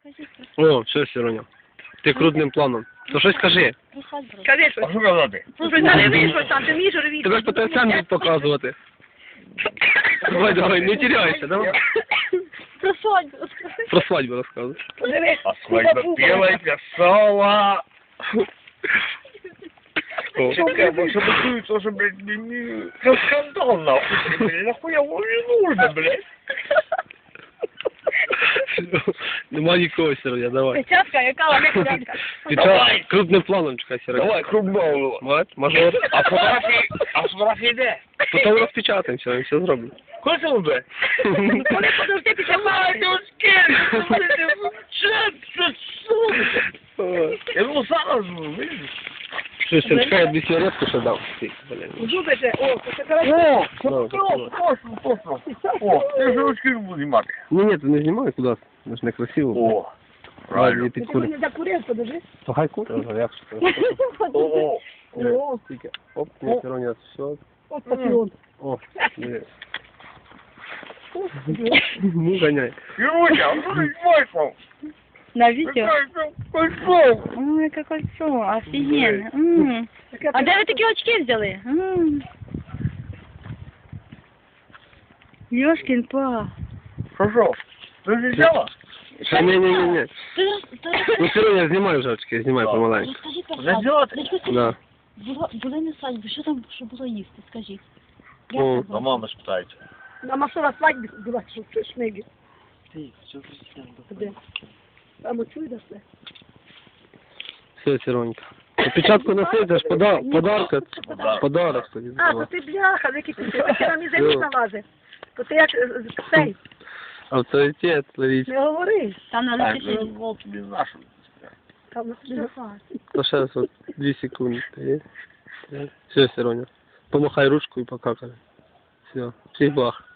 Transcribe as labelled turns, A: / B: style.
A: О, все, Сіроня. Ти крупним планом. То щось скажи.
B: Скажи щось.
C: А що казати?
B: Слушай, нареви щось там, ти вмієш ревіти.
A: Тебе ж потенціал показувати. Давай, давай, не теряйся, давай.
B: Про свадьбу.
A: Про свадьбу розказуй.
B: Подивись.
C: А свадьба пела, плясала.
A: О.
C: Что, блядь, что такое, тоже, блядь, не скандал, нахуй, блядь, нахуя его не нужно, блядь.
A: Нема нікого, Сіроня, давай.
B: Печатка, яка вона печатка.
A: Давай. Крупним планом чекай, Сіроня.
C: Давай, крупного.
A: Вот, мажор.
C: А фотографії де?
A: Потім розпечатаємо, все, все зробимо.
C: Коли це буде?
B: Коли подожди після
C: Давай,
B: паски.
C: Я думав, зараз, видиш?
A: Що, Сірочка, я 2 сигаретку ще дав. Ти, блін.
B: Зуби же, о, це хорошо.
C: О, точно. О, я ж ручки не буду знімати.
A: Ні, ти не знімай куди. Це ж не красиво.
C: О, правильно.
A: Ладно,
B: Ти
A: підкури.
B: не закурив, подожди.
A: То хай кури. Як ж це?
C: О,
B: О,
A: Тільки, оп, не, Сіроня, все.
B: от патріон.
A: О, є. Ну, гоняй.
C: Юрочка, а що ти знімаєш?
B: На видео?
C: Пошел.
B: Ой, яке кольцо, офігенно. А де ви такі очки взяли? Ёшкин па.
C: Хорошо. Ты же взяла?
A: Ще, ні. Ну, Сіроня, знімай вже очки, знімай помаленьку.
C: Вже взяла ти?
A: Да.
D: Були на свадьбі, що там що було їсти, скажіть?
A: О,
C: А мама спитається.
B: На машина свадьбі була, що шмиги.
D: Ти, що ви
B: Де? Там оцю даси.
A: все, Сіронька. Опечатку носи, це ж подарка. Подарок тобі.
B: А, то ти бляха, википіти, ти на мізері налазив. То ти як цей,
A: Авторитет, ловіть.
B: не говори.
D: Там надо
C: Так,
D: пиши.
C: ну, вот тобі нашу.
B: Там
A: То ще от 2 секунди. Є? Все, Сіроня. Помахай ручку і покакай. Все, всіх благ.